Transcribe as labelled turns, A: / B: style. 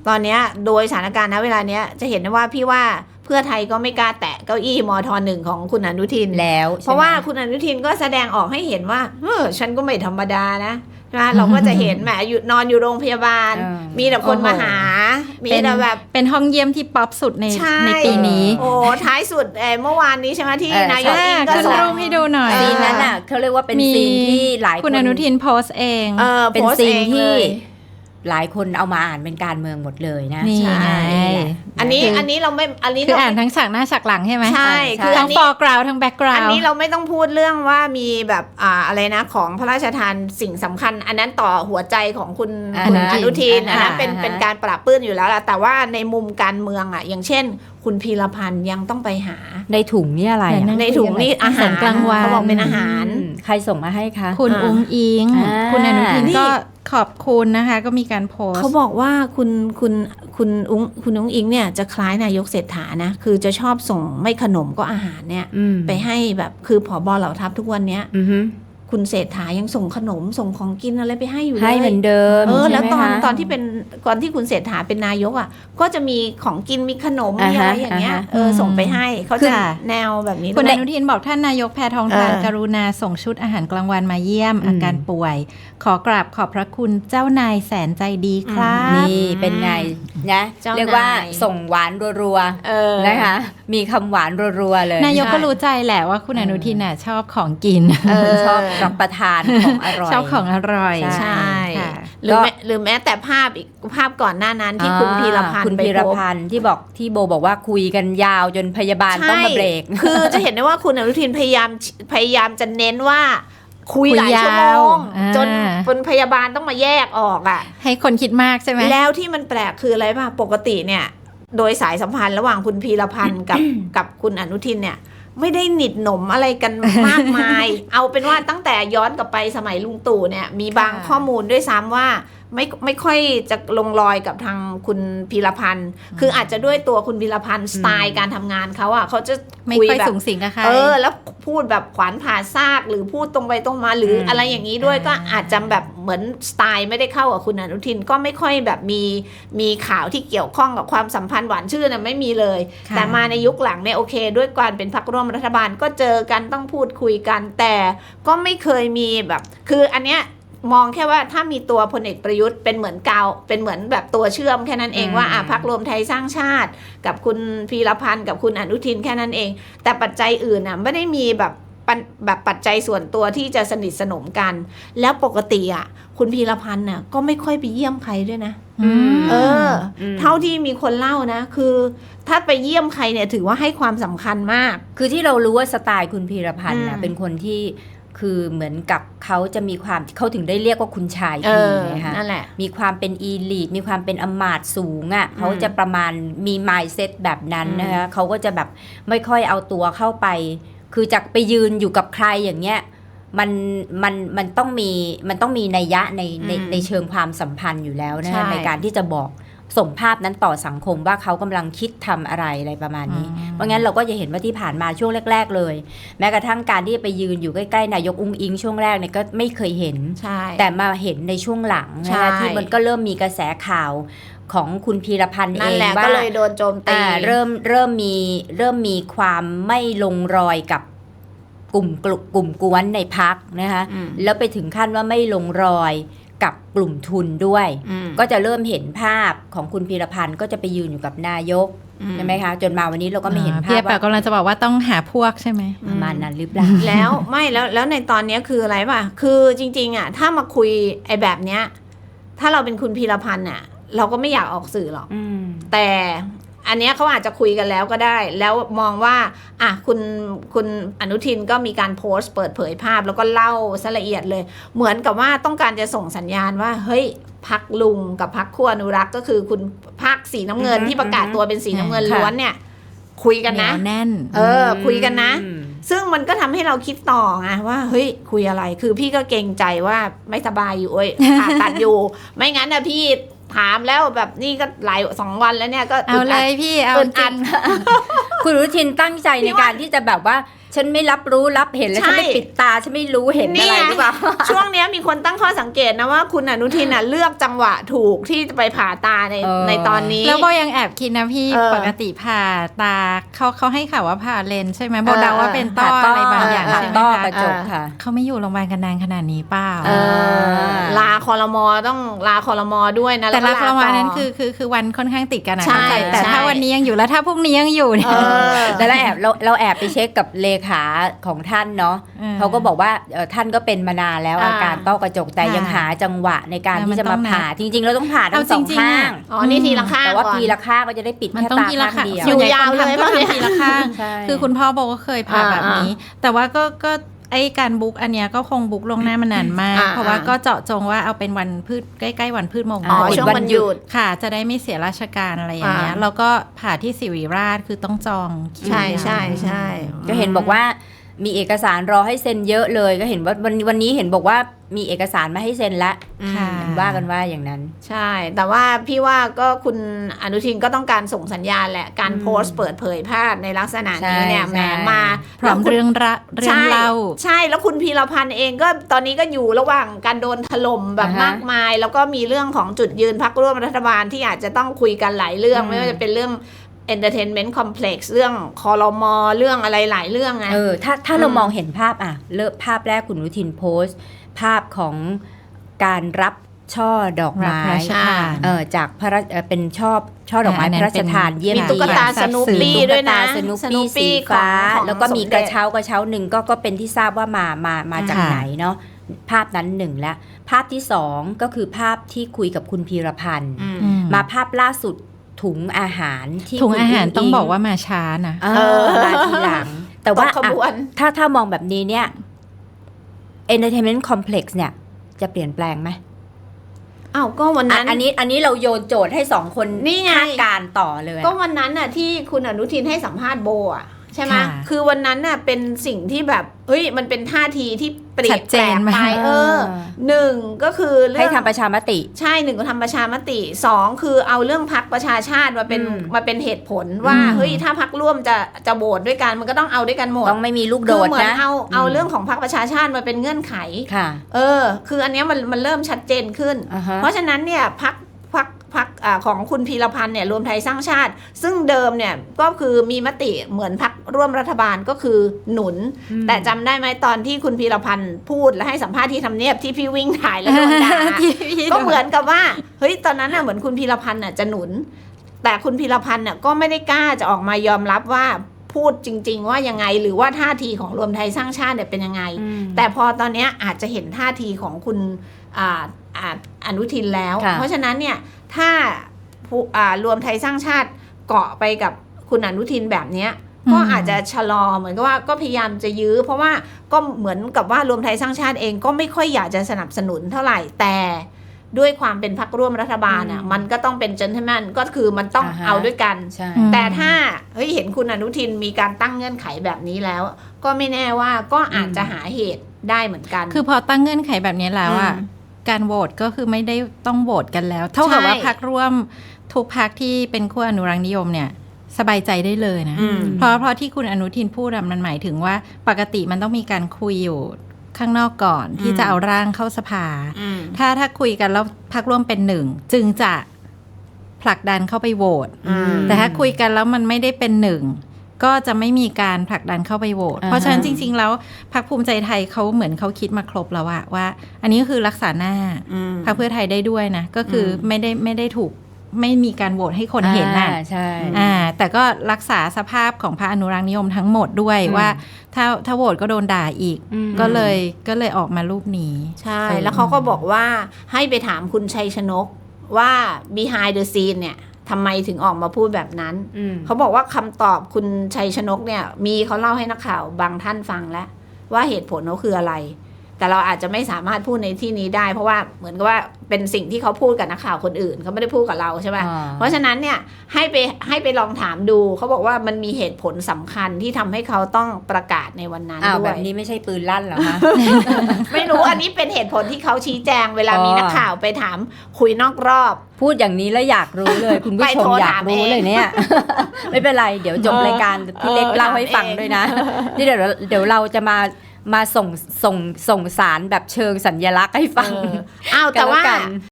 A: ตอนนี้โดยสถานการณ์ณเวลาเนี้ยจะเห็นได้ว่าพี่ว่าเพื่อไทยก็ไม่กล้าแตะเก้าอี้มท1ของคุณอนุทิน
B: แล้ว
A: เพราะว่าคุณอนุทินก็แสดงออกให้เห็นว่าฉันก็ไม่ธรรมดานะเราก็จะเห็นแหมนอนอยู่โรงพยาบาลมีแต่คนมาหามีแต่แบบ
C: เป็นห้องเยี่ยมที่ป๊อปสุดในปีนี้
A: โอ้ท้ายสุดเมื่อวานนี้ใช่ไหมที่นายกอิงก็
C: ส่งรูปให้ดูหน่อย
B: ซีนนั้นอ่ะเขาเรียกว่าเป็นซีนที่หลายคน
C: คุณอนุทินโพสเอง
B: เป็นซีนที่หลายคนเอามาอ่านเป็นการเมืองหมดเลยนะ
C: นี่ไง
A: อันนี้เราไม่อันนี้
C: คืออ่านทั้งฉากหน้าฉากหลังใช่ไหม
A: ใช่คือ
C: ทั้ง foreground ทั้ง background
A: อันนี้เราไม่ต้องพูดเรื่องว่ามีแบบอะไรนะของพระราชทานสิ่งสำคัญอันนั้นต่อหัวใจของคุณอนุทินอันนั้นเป็นการปราบปลื้มอยู่แล้วล่ะแต่ว่าในมุมการเมืองอ่ะอย่างเช่นคุณพีรพันธ์ยังต้องไปหา
B: ในถุงนี่อะไร
A: ในถุงนี่อาหาร
C: กลางวัน
A: เขาบอกเป็นอาหาร
B: ใครส่งมาให้คะ
C: คุณอุ้งอิงคุณอนุทินก็ขอบคุณนะคะก็มีการโพส
A: เขาบอกว่าคุณอุ้งอิงเนี่ยจะคล้ายนายกเศรษฐานะคือจะชอบส่งไม่ขนมก็อาหารเนี่ยไปให้แบบคือผบ.เหล่าทัพทุกวันเนี้ยคุณเศรษฐายังส่งขนมส่งของกินอะไรไปให้อยู่เลย
B: ให้เหมือนเดิม
A: แล้วตอนที่คุณเศรษฐาเป็นนายกอ่ะก็จะมีของกินมีขนมมีอะไรอย่างเงี้ยส่งไปให้เขาจะแนวแบบนี้
C: คุณอนุทินบอกท่านนายกแพทองธารกรุณาส่งชุดอาหารกลางวันมาเยี่ยมอาการป่วยขอกราบขอบพระคุณเจ้านายแสนใจดีครับ
B: นี่เป็นไงนะเรียกว่าส่งหวานรัวๆนะคะมีคำหวานรัวๆเลย
C: นายกก็รู้ใจแหละว่าคุณอนุทินชอบของกิน
B: ชอบรับประทานของอร่อย
C: ชอบของอร่อย
A: ใช่หรือแม้แต่ภาพก่อนหน้านั้นที่คุณพีรพันธ์
B: ที่โบบอกว่าคุยกันยาวจนพยาบาลต้องมาเบรก
A: คือจะเห็นได้ว่าคุณอนุทินพยายามจะเน้นว่าคุยหลายชั่วโมงจนคนพยาบาลต้องมาแยกออกอ่ะ
C: ให้คนคิดมากใช่ไหม
A: แล้วที่มันแปลกคืออะไรป่ะปกติเนี่ยโดยสายสัมพันธ์ระหว่างคุณพีรพันธ์กับคุณอนุทินเนี่ยไม่ได้หนิดหนมอะไรกันมากมาย เอาเป็นว่าตั้งแต่ย้อนกลับไปสมัยลุงตู่เนี่ยมีบางข้อมูลด้วยซ้ำว่าไม่ค่อยจะลงรอยกับทางคุณพีรพันธ์คืออาจจะด้วยตัวคุณพีรพันธ์สไตล์การทำงานเขาอ่ะเขาจะ
C: ไม่ค่อยสูงสิงกับใคร
A: แล้วพูดแบบขวานผ่าซากหรือพูดตรงไปตรงมาหรืออะไรอย่างนี้ด้วยก็อาจจะแบบเหมือนสไตล์ไม่ได้เข้ากับคุณอนุทินก็ไม่ค่อยแบบมีข่าวที่เกี่ยวข้องกับความสัมพันธ์หวานชื่นไม่มีเลยแต่มาในยุคหลังเนี่ยโอเคด้วยการเป็นพรรคร่วมรัฐบาลก็เจอกันต้องพูดคุยกันแต่ก็ไม่เคยมีแบบคืออันเนี้ยมองแค่ว่าถ้ามีตัวพลเอกประยุทธ์เป็นเหมือนเป็นเหมือนแบบตัวเชื่อมแค่นั้นเองว่าพรรครวมไทยสร้างชาติกับคุณพีรพันธ์กับคุณอนุทินแค่นั้นเองแต่ปัจจัยอื่นน่ะไม่ได้มีแบบปัจจัยส่วนตัวที่จะสนิทสนมกันแล้วปกติอ่ะคุณพีรพันธ์น่ะก็ไม่ค่อยไปเยี่ยมใครด้วยนะเท่าที่มีคนเล่านะคือถ้าไปเยี่ยมใครเนี่ยถือว่าให้ความสำคัญมาก
B: คือที่เรารู้ว่าสไตล์คุณพีรพันธ์น่ะเป็นคนที่คือเหมือนกับเขาจะมีความเขาถึงได้เรียกว่าคุณชายพีนะคะ
A: นั่นแหละ
B: มีความเป็นอีลีทมีความเป็นอมาตย์สูงอ่ะเขาจะประมาณมีมายด์เซตแบบนั้นนะคะเขาก็จะแบบไม่ค่อยเอาตัวเข้าไปคือจากไปยืนอยู่กับใครอย่างเงี้ยมันต้องมีนัยยะในเชิงความสัมพันธ์อยู่แล้วนะในการที่จะบอกส่งภาพนั้นต่อสังคมว่าเขากำลังคิดทำอะไรประมาณนี้เพราะงั้นเราก็จะเห็นว่าที่ผ่านมาช่วงแรกๆเลยแม้กระทั่งการที่ไปยืนอยู่ใกล้ๆนายกอุ้งอิงช่วงแรกเนี่ยก็ไม่เคยเห็นแต่มาเห็นในช่วงหลังนะคะที่มันก็เริ่มมีกระแสข่าวของคุณพีรพันธ์เองว่า
A: ก็เลยโดนโจมตี
B: เริ่มมีความไม่ลงรอยกับกลุ่มกวนในพรรคนะคะแล้วไปถึงขั้นว่าไม่ลงรอยกับกลุ่มทุนด้วยก็จะเริ่มเห็นภาพของคุณพีรพันธ์ก็จะไปยืนอยู่กับนายกใช่ไหมคะจนมาวันนี้เราก็ไม่เห็นภาพ
C: ว่ากำลังจะบอกว่าต้องหาพวกใช่ไหม
B: ประมาณนั้นหรือเปล่า
A: แล้วไม่แล้วในตอนนี้คืออะไรป่ะคือจริงๆอ่ะถ้ามาคุยไอ้แบบเนี้ยถ้าเราเป็นคุณพีรพันธ์อ่ะเราก็ไม่อยากออกสื่อหรอกแต่อันนี้เขาอาจจะคุยกันแล้วก็ได้แล้วมองว่าอ่ะคุณอนุทินก็มีการโพสต์เปิดเผยภาพแล้วก็เล่าซะละเอียดเลยเหมือนกับว่าต้องการจะส่งสัญญาณว่าเฮ้ยพรรคลุงกับพรรคขั้วอนุรักษ์ก็คือคุณพรรคสีน้ำเงินที่ประกาศตัวเป็นสีน้ำเงินล้วนเนี่ยคุยกันนะ
C: แน่น
A: คุยกันนะซึ่งมันก็ทำให้เราคิดต่อไงว่าเฮ้ยคุยอะไรคือพี่ก็เกรงใจว่าไม่สบายอยู่ผ่าตัดอยู่ไม่งั้นนะพี่ถามแล้วแบบนี่ก็หลาย2 วันแล้วเนี่ยก็
C: เอาเลยพี่เอา
A: อัด
B: คุณอนุทินตั้งใจในการที่จะแบบว่าฉันไม่รับรู้รับเห็นแล้ว
A: ใช่
B: ฉันไม่ปิดตาฉันไม่รู้เห็นอะไรหรือเปล่า
A: ช่วงเนี้ยมีคนตั้งข้อสังเกตนะว่าคุณอนุทินน่ะเลือกจังหวะถูกที่จะไปผ่าตาในตอนนี้
C: แล้วโบยังแอบคิดนะพี่ปกติผ่าตาเขาให้ข่าวว่าผ่าเลนส์ใช่ไหมโบเดาว่าเป็นต้ออะไรบางอย่าง
B: ผ่า
C: ใช่ไหม
B: ต้อ
C: คะ
B: กระจกค่ะ
C: เขาไม่อยู่โรงพยาบาลกันนานขนาดนี้เปล่า
A: ลาคอรมอต้องลาคอรมอด้วยนะ
C: แต่
A: ล้ว
C: ละ
A: ก็
C: ประมาณ
A: ต่อ
C: นั้นคือวันค่อนข้างติดกันนะ
A: ใช่
C: เข้าใจแต่
A: ใช่
C: ถ้าวันนี้ยังอยู่แล้วถ้าพรุ่งนี้ยังอยู่เนี่ย
B: แล้วเราแอบไปเช็คกับเลขาของท่านเนาะ เขาก็บอกว่าท่านก็เป็นมานานแล้วอาการต้อกระจกแต่ยังหาจังหวะในการที่จะมาผ่าจริงๆเราต้องผ่าทั้งสองข้าง
A: อ๋อนี่ทีละข้าง
B: แต่ว่า
A: ก่อน
B: ทีละข้างก็จะได้ปิด
C: มัน
B: แค่
C: ต้อง
B: ตา
C: ทีละ
B: ข้าง
C: ข้าง
B: เดียว
A: อยู่ยาวเลย
C: ก็
A: ป่ะเนี่ย
C: ทำทีละข้าง
B: ใช่
C: คือคุณพ่อบอกว่าเคยผ่าแบบนี้ แต่ว่าก็ไอ้การบุ๊กอันเนี้ยก็คงบุ๊กลวงหน้ามานานมาก เพราะว่าก็เจาะจงว่าเอาเป็นวันพืชใกล้ๆวันพืชมงค
A: อ๋อ
C: ล
A: ช่วงวันหยุด
C: ค่ะจะได้ไม่เสียราชการอะไรอย่างเงี้ยแล้วก็ผ่าที่ศิริราชคือต้องจองคิว
A: ใช่ใช่ใช่
B: ก็เห็นบอกว่ามีเอกสารรอให้เซ็นเยอะเลยก็เห็นว่าวันนี้เห็นบอกว่ามีเอกสารมาให้เซ็นแล้ว
C: ค่ะ
B: ว่ากันว่าอย่างนั้น
A: ใช่ แต่ว่าพี่ว่าก็คุณอนุทินก็ต้องการส่งสัญญาณแหละการโพสต์เปิดเผยภาพในลักษณะนี้เนี่ย
B: ใช่
A: แหมมา
C: พร้อมเรื่องเล่า
A: ใช่แล้วคุณพีรพันธ์เองก็ตอนนี้ก็อยู่ระหว่างการโดนถล่มแบบมากมาย แล้วก็มีเรื่องของจุดยืนพรรคร่วมรัฐบาลที่อาจจะต้องคุยกันหลายเรื่องไม่ว่าจะเป็นเรื่อง entertainment complex เรื่องคอรมอเรื่องอะไรหลายเรื่องไง
B: ถ้าเรามองเห็นภาพเริ่มภาพแรกคุณอนุทินโพสต์ ภาพของการรับช่อดอกไม้
C: รับพระราชทาน
B: จากพระราชเป็นช่อดอกไม้พระราชทานเยี่ยม
A: มีตุ๊กตาสนุปปี้ด้วยนะ
B: สนุปปี้สีฟ้า
A: ของ
B: แล้วก็มี
A: สม
B: ก
A: เด็
B: ระ
A: จ
B: เช้าหนึ่งก็เป็นที่ทราบว่ามาจากไหนเนาะภาพนั้นหนึ่งแล้วภาพที่สองก็คือภาพที่คุยกับคุณพีรพันธ์ มาภาพล่าสุดถุงอาหารที่
C: ถุงอาหาร
B: คุณ
C: ต้องบอกว่ามาช้านะ
B: มาทีหลัง แต่ว่า
A: ตกขบวน
B: ถ้ามองแบบนี้เนี่ย entertainment complex เนี่ยจะเปลี่ยนแปลงไหม
A: อ้าวก็วันนั้น
B: อันนี้เราโยนโจทย์ให้สองคน
A: นี่ไง
B: คาดการณ์ต่อเลย
A: ก็วันนั้นน่ะที่คุณอนุทินให้สัมภาษณ์โบอ่ะใช่ไหม
C: ค่ะ
A: คือวันนั้นน่ะเป็นสิ่งที่แบบเฮ้ยมันเป็นท่าทีที่เปลี่ย
C: ชั
A: น
C: ด
A: แป
C: เจ
A: ล
C: น
A: ก
C: มาก
A: ไปหนึ่งก็คือเรื่
B: ให้
A: อง
B: ทำประชามติ
A: ใช่หนึ่งก็ทำประชามติสองคือเอาเรื่องพักประชาชาติมาเป็นเหตุผลว่าเฮ้ยถ้าพักร่วมจะโหวตด้วยกันมันก็ต้องเอาด้วยกันหมด
B: ต้องไม่มีลูกโด
A: คือ
B: ด
A: เหมือน
B: นะ
A: เอาเรื่องของพักประชาชาติมาเป็นเงื่อนไข
B: ค่ะ
A: คืออันเนี้ยมันเริ่มชัดเจนขึ้น เพราะฉะนั้นเนี่ยพักของคุณพีรพันธ์เนี่ยรวมไทยสร้างชาติ ซึ่งเดิมเนี่ยก็คือมีมติเหมือนพักร่วมรัฐบาลก็คือหนุน แต่จำได้ไหมตอนที่คุณพีรพันธ์พูดและให้สัมภาษณ์ที่ทำเนียบที่พี่วิ่งถ่ายแล้วโดนด่า ก็เหมือนกับว่าเฮ้ยตอนนั้นน่ะเหมือนคุณพีรพันธ์น่ะจะหนุน แต่คุณพีรพันธ์น่ะก็ไม่ได้กล้าจะออกมายอมรับว่าพูดจริง ๆ ว่ายังไงหรือว่าท่าทีของรวมไทยสร้างชาติเนี่ยเป็นยังไง แต่พอตอนเนี้ยอาจจะเห็นท่าทีของคุณอนุทินแล้ว เพราะฉะนั้นเนี่ยถ้ารวมไทยสร้างชาติเกาะไปกับคุณอนุทินแบบเนี้ยก็อาจจะชะลอเหมือนกับว่าก็พยายามจะยื้อเพราะว่าก็เหมือนกับว่ารวมไทยสร้างชาติเองก็ไม่ค่อยอยากจะสนับสนุนเท่าไหร่แต่ด้วยความเป็นพรรคร่วมรัฐบาลอ่ะมันก็ต้องเป็นเจนเทลแมนก็คือมันต้องเอาด้วยกัน
B: ใช่
A: แต่ถ้าเห็นคุณอนุทินมีการตั้งเงื่อนไขแบบนี้แล้ว ก็ไม่แน่ว่าก็อาจจะหาเหตุได้เหมือนกัน
C: คือพอตั้งเงื่อนไขแบบนี้แล้วอ่ะการโหวตก็คือไม่ได้ต้องโหวตกันแล้ว เท่ากับว่าพรรคร่วมทุกพรรคที่เป็นขั้วอนุรักษ์นิยมเนี่ยสบายใจได้เลยนะเพราะที่คุณอนุทินพูดมันหมายถึงว่าปกติมันต้องมีการคุยอยู่ข้างนอกก่อนที่จะเอาร่างเข้าสภาถ้าคุยกันแล้วพรรคร่วมเป็นหนึ่งจึงจะผลักดันเข้าไปโหวตแต่ถ้าคุยกันแล้วมันไม่ได้เป็นหนึ่งก็จะไม่มีการผลักดันเข้าไปโหวตเพราะฉะนั้นจริงๆแล้วพรรคภูมิใจไทยเขาเหมือนเขาคิดมาครบแล้วว่าอันนี้ก็คือรักษาหน้าพรรคเพื่อไทยได้ด้วยนะก็คือไม่ได้ถูกไม่มีการโหวตให้คนเห็นน่ะ
B: ใช่
C: แต่ก็รักษาสภาพของพรรคอนุรักษ์นิยมทั้งหมดด้วยว่าถ้าโหวตก็โดนด่าอีกก็เลยออกมารูปนี้
A: ใช่แล้วเขาก็บอกว่าให้ไปถามคุณชัยชนกว่า behind the scene เนี่ยทำไมถึงออกมาพูดแบบนั้นเขาบอกว่าคำตอบคุณชัยชนกเนี่ยมีเขาเล่าให้นักข่าวบางท่านฟังแล้วว่าเหตุผลเขาคืออะไรแแต่เราอาจจะไม่สามารถพูดในที่นี้ได้ เพราะว่าเหมือนกับว่าเป็นสิ่งที่เขาพูดกับนักข่าวคนอื่นเขาไม่ได้พูดกับเราใช่ไหมเพราะฉะนั้นเนี่ยให้ไปลองถามดูเขาบอกว่ามันมีเหตุผลสำคัญที่ทำให้เขาต้องประกาศในวันนั้นด้วย
B: แบบนี้ไม่ใช่ปืนลั่นเหรอคะ
A: ไม่รู้อันนี้เป็นเหตุผลที่เขาชี้แจงเวลามีนักข่าวไปถามคุยนอกรอบ
B: พูดอย่างนี้แล้วอยากรู้เลย คุณผู้ชมอยากรู้เลยเนี่ย ไม่เป็นไรเดี๋ยวจบรายการพี่เล็กเล่าให้ฟังด้วยนะนี่เดี๋ยวเราจะมาส่งสารแบบเชิงสัญลักษณ์ให้ฟัง
A: อ้าวแต่ว่า
B: กัน